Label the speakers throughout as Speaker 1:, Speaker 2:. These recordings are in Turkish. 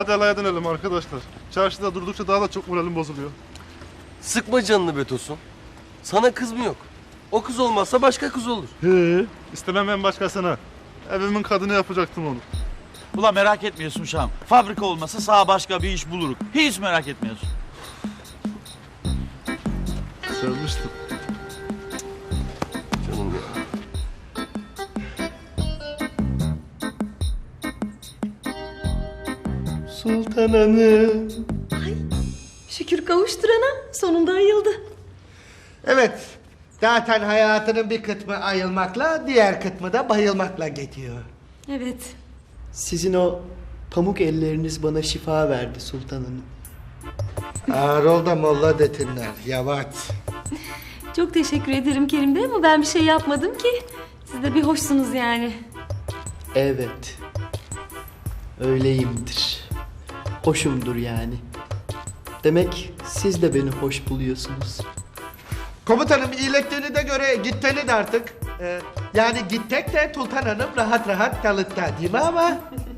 Speaker 1: Hadi alaya dönelim arkadaşlar. Çarşıda durdukça daha da çok moralim bozuluyor.
Speaker 2: Sıkma canını be Tosun. Sana kız mı yok? O kız olmazsa başka kız olur.
Speaker 1: He. İstemem ben başkasına. Evimin kadını yapacaktım onu.
Speaker 3: Ulan merak etmiyorsun Şam. Fabrika olmasa sağ başka bir iş buluruk. Hiç merak etmiyorsun.
Speaker 1: Sevmiştim.
Speaker 2: Canım ya.
Speaker 4: Sultan Hanım.
Speaker 5: Şükür kavuşturana sonunda ayıldı.
Speaker 4: Evet. Zaten hayatının bir kısmı ayılmakla, diğer kısmı da bayılmakla geçiyor.
Speaker 5: Evet.
Speaker 6: Sizin o pamuk elleriniz bana şifa verdi Sultan Hanım.
Speaker 4: Ağır ol da molla detinler. Yavaş.
Speaker 5: Çok teşekkür ederim Kerim Bey ama ben bir şey yapmadım ki. Siz de bir hoşsunuz yani.
Speaker 6: Evet. Öyleyimdir. Hoşumdur yani. Demek siz de beni hoş buluyorsunuz.
Speaker 4: Komutanım iyileştiğini de göre gitteni de artık. Yani gittek de Sultan Hanım rahat rahat kalıtta değil mi ama?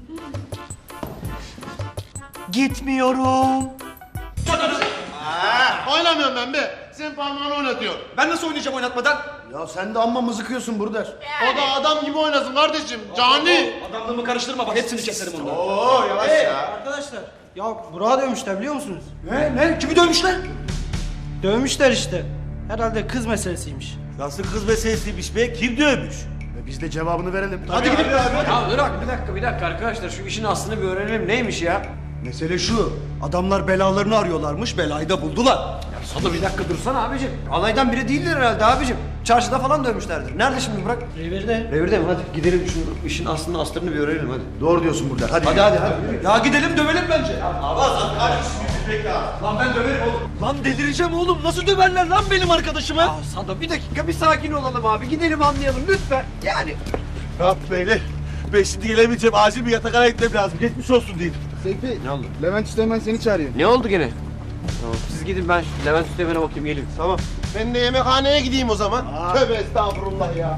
Speaker 4: Gitmiyorum.
Speaker 7: Oynamıyorum ben be. Sen parmağını oynatıyor.
Speaker 8: Ben nasıl oynayacağım oynatmadan?
Speaker 7: Ya sen de amma mızıkıyorsun Burder. O da adam gibi oynasın kardeşim. Cani.
Speaker 8: Adamlığımı karıştırma bak hepsini keserim onları.
Speaker 7: Oo yavaş ya.
Speaker 9: Arkadaşlar ya Burak'ı dövmüşler biliyor musunuz?
Speaker 8: Ne? Kimi dövmüşler?
Speaker 9: Dövmüşler işte. Herhalde kız meselesiymiş.
Speaker 3: Nasıl kız meselesiymiş be? Kim dövmüş?
Speaker 7: Biz de cevabını verelim.
Speaker 8: Hadi gidin.
Speaker 10: Ya bir dakika arkadaşlar şu işin aslını bir öğrenelim neymiş ya?
Speaker 8: Mesele şu. Adamlar belalarını arıyorlarmış. Belayı da buldular.
Speaker 10: Sado bir dakika dursana abicim. Alaydan biri değildir herhalde abicim. Çarşıda falan dövmüşlerdir. Nerede şimdi Burak?
Speaker 9: Revirde.
Speaker 10: Revirde mi? Hadi gidelim şu işin aslını astarını bir öğrenelim hadi.
Speaker 7: Doğru diyorsun Burder. Hadi.
Speaker 10: Hadi.
Speaker 8: Ya gidelim dövelim bence.
Speaker 10: Lan ben döverim oğlum.
Speaker 3: Lan delireceğim oğlum. Nasıl döverler lan benim arkadaşımı?
Speaker 10: Ya Sado bir dakika bir sakin olalım abi. Gidelim anlayalım lütfen. Yani.
Speaker 3: Rahat beyler. Ben şimdi gelemeyeceğim. Acil bir yatakhane gitmem lazım. Geçmiş olsun diyeyim.
Speaker 7: Seyfi.
Speaker 10: Ne oldu?
Speaker 7: Levent Üsteğmen seni çağırıyor.
Speaker 10: Ne oldu gene? Tamam siz gidin ben Levent Üsteğmen'e bakayım geleyim.
Speaker 7: Tamam. Ben de yemekhaneye gideyim o zaman. Tövbe estağfurullah ya.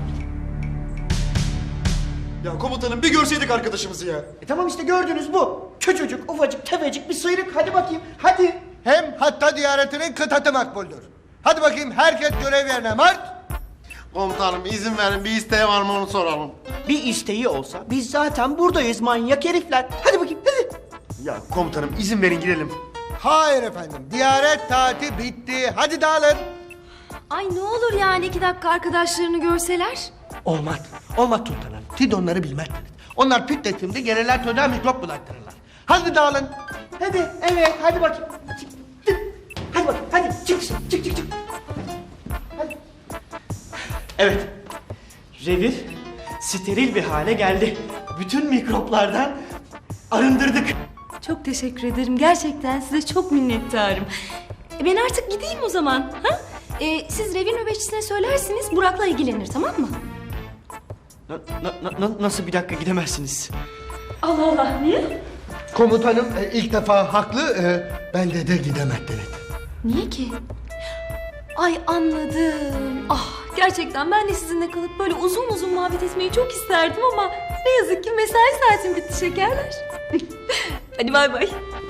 Speaker 8: Ya komutanım bir görseydik arkadaşımızı ya.
Speaker 4: Tamam işte gördünüz bu. Küçücük, ufacık, tefecik bir sıyrık. Hadi bakayım, hadi.
Speaker 7: Hem hatta ziyaretinin kıtatı makbuldür. Hadi bakayım herkes görev yerine mart. Komutanım izin verin bir isteği var mı onu soralım.
Speaker 4: Bir isteği olsa biz zaten buradayız manyak herifler. Hadi bakayım, hadi.
Speaker 7: Ya komutanım izin verin girelim. Hayır efendim. Ziyaret taati bitti. Hadi dağılın.
Speaker 5: Ay ne olur yani 2 dakika arkadaşlarını görseler.
Speaker 4: Olmaz, olmaz Sultan Hanım. Siz onları bilmezsiniz. Onlar pütletimde gelirler çocuğa mikrop bulaştırırlar. Hadi dağılın. Hadi, evet, hadi bakayım. Hadi bak, hadi çık, çık. Hadi. Evet. Revir steril bir hale geldi. Bütün mikroplardan arındırdık.
Speaker 5: Çok teşekkür ederim. Gerçekten size çok minnettarım. Ben artık gideyim o zaman. Ha? Siz revir nöbetçisine söylersiniz. Burak'la ilgilenir tamam mı?
Speaker 6: Nasıl bir dakika gidemezsiniz?
Speaker 5: Allah Allah niye?
Speaker 4: Komutanım ilk defa haklı. Bence de gidemezdiniz.
Speaker 5: Niye ki? Ay anladım. Ah gerçekten ben de sizinle kalıp böyle uzun uzun muhabbet etmeyi çok isterdim ama ne yazık ki mesai saatim bitti şekerler. Hadi bay bay.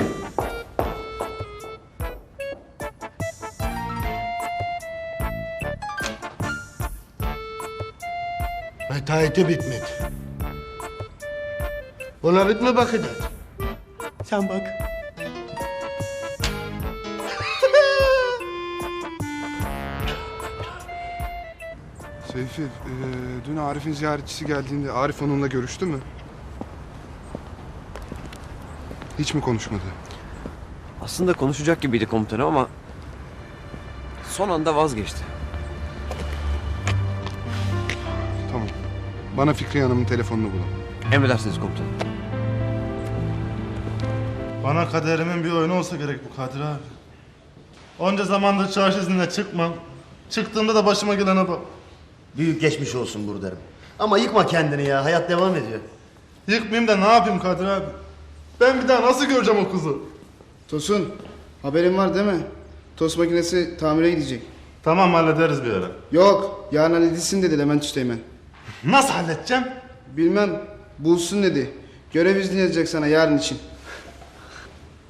Speaker 4: Mesaiti bitmedi. Buna bitme bakacağız. Sen bak.
Speaker 1: Seyfi, dün Arif'in ziyaretçisi geldiğinde Arif onunla görüştü mü? Hiç mi konuşmadı?
Speaker 10: Aslında konuşacak gibiydi komutanım ama son anda vazgeçti.
Speaker 1: Tamam. Bana Fikriye Hanım'ın telefonunu bulun.
Speaker 10: Emredersiniz komutanım.
Speaker 1: Bana kaderimin bir oyunu olsa gerek bu Kadir abi. Onca zamandır çarşı iznine çıkmam. Çıktığımda da başıma gelene bak.
Speaker 7: Büyük geçmiş olsun Burder'im. Ama yıkma kendini ya. Hayat devam ediyor.
Speaker 1: Yıkmayayım da ne yapayım Kadir abi? Ben bir daha nasıl göreceğim o kızı?
Speaker 11: Tosun, haberin var değil mi? Tost makinesi tamire gidecek.
Speaker 1: Tamam hallederiz bir ara.
Speaker 11: Yok, yarın halledilsin dedi Levent Üsteğmen.
Speaker 1: Nasıl halledeceğim?
Speaker 11: Bilmem, bulsun dedi. Görev izni yazacak sana yarın için.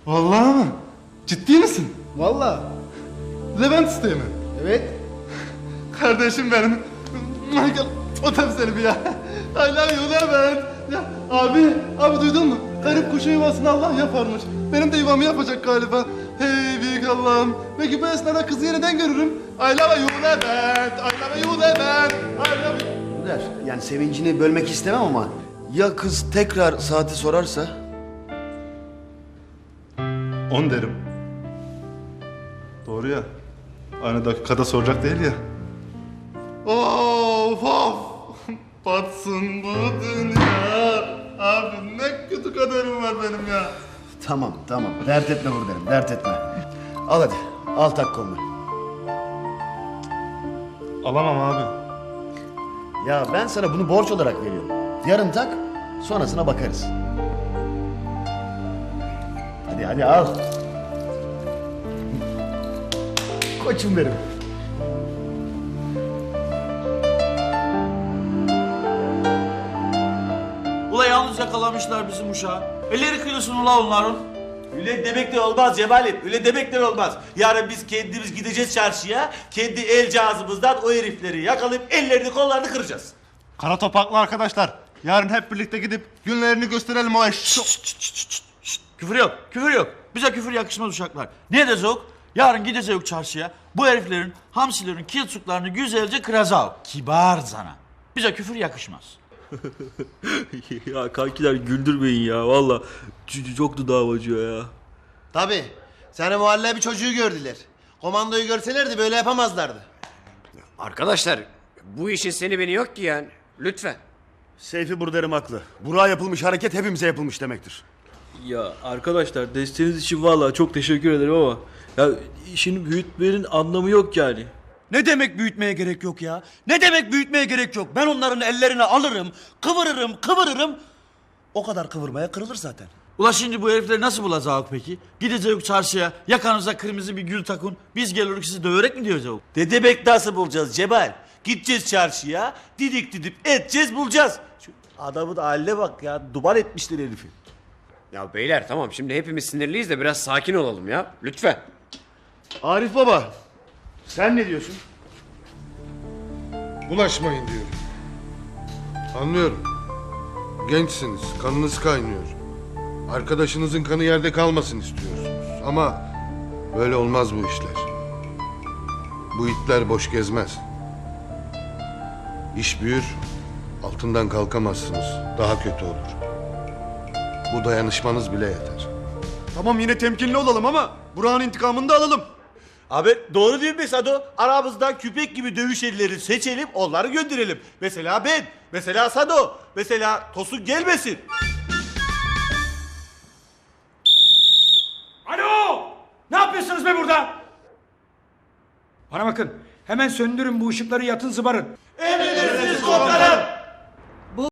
Speaker 1: Vallahi mı? Ciddi misin?
Speaker 11: Vallahi.
Speaker 1: Levent isteği mi?
Speaker 11: Evet.
Speaker 1: Kardeşim benim. Michael, otam seni bir ya. I love you Levent. Ya, abi duydun mu? Garip kuşun yuvasını Allah yaparmış. Benim de yuvamı yapacak galiba. Hey büyük Allah'ım. Belki bu esnada kızı yeniden görürüm. I love you Levent. I love you Levent. I love you.
Speaker 10: Der. Yani sevincini bölmek istemem ama
Speaker 2: Ya kız tekrar saati sorarsa?
Speaker 1: 10 derim. Doğru ya. Aynı dakikada soracak değil ya. Of of. Batsın bu dünya. Abi ne kötü kaderim var benim ya.
Speaker 10: tamam. Dert etme derim. Dert etme. Al hadi. Al tak kolunu.
Speaker 1: Alamam abi.
Speaker 10: Ya ben sana bunu borç olarak veriyorum. Yarın tak, sonrasına bakarız. Hadi al. Koçum benim.
Speaker 3: Ula yalnız yakalamışlar bizim uşağı. Elleri kırılsın ula onların.
Speaker 12: Öyle demek de olmaz Cemal'im. Öyle demek de olmaz. Yarın biz kendimiz gideceğiz çarşıya. Kendi el cihazımızdan o herifleri yakalayıp ellerini kollarını kıracağız.
Speaker 1: Kara topaklı arkadaşlar. Yarın hep birlikte gidip günlerini gösterelim o eş.
Speaker 3: Küfür yok. Bize küfür yakışmaz uşaklar. Ne dezok? Yarın gideceğiz çarşıya. Bu heriflerin, hamsilerin kiltsuklarını güzelce kıracağız. Kibar zana. Bize küfür yakışmaz.
Speaker 12: Ya kankiler güldürmeyin ya. Valla çok dudağım acıyor ya.
Speaker 7: Tabii. Seni muhallebi çocuğu gördüler. Komandoyu görselerdi böyle yapamazlardı.
Speaker 13: Arkadaşlar bu işin seni beni yok ki yani. Lütfen.
Speaker 10: Seyfi Burder'im haklı. Burak'a yapılmış hareket hepimize yapılmış demektir.
Speaker 12: Ya arkadaşlar desteğiniz için vallahi çok teşekkür ederim ama ya işini büyütmenin anlamı yok yani.
Speaker 8: Ne demek büyütmeye gerek yok ya? Ne demek büyütmeye gerek yok? Ben onların ellerini alırım, kıvırırım. O kadar kıvırmaya kırılır zaten.
Speaker 3: Ula şimdi bu herifleri nasıl bulacağız peki? Gideceğiz çarşıya, yakanıza kırmızı bir gül takın. Biz gelirük sizi döverek mi diyeceğiz?
Speaker 12: Ne demek nasıl bulacağız Cemal? Gideceğiz çarşıya, didip edeceğiz bulacağız. Şu adamın haline bak ya, duman etmişler herifi.
Speaker 13: Ya beyler tamam şimdi hepimiz sinirliyiz de biraz sakin olalım ya. Lütfen.
Speaker 10: Arif baba, sen ne diyorsun?
Speaker 14: Bulaşmayın diyorum. Anlıyorum. Gençsiniz, kanınız kaynıyor. Arkadaşınızın kanı yerde kalmasın istiyorsunuz. Ama böyle olmaz bu işler. Bu itler boş gezmez. İş büyür, altından kalkamazsınız. Daha kötü olur. Bu dayanışmanız bile yeter.
Speaker 8: Tamam yine temkinli olalım ama Burak'ın intikamını da alalım.
Speaker 12: Abi doğru değil mi Sado? Aramızdan küpek gibi dövüş elleri seçelim, onları gönderelim. Mesela ben, mesela Sado, mesela Tosun gelmesin.
Speaker 15: Alo! Ne yapıyorsunuz be burada? Bana bakın, hemen söndürün bu ışıkları, yatın zıbarın.
Speaker 12: Emredersiniz komutanım.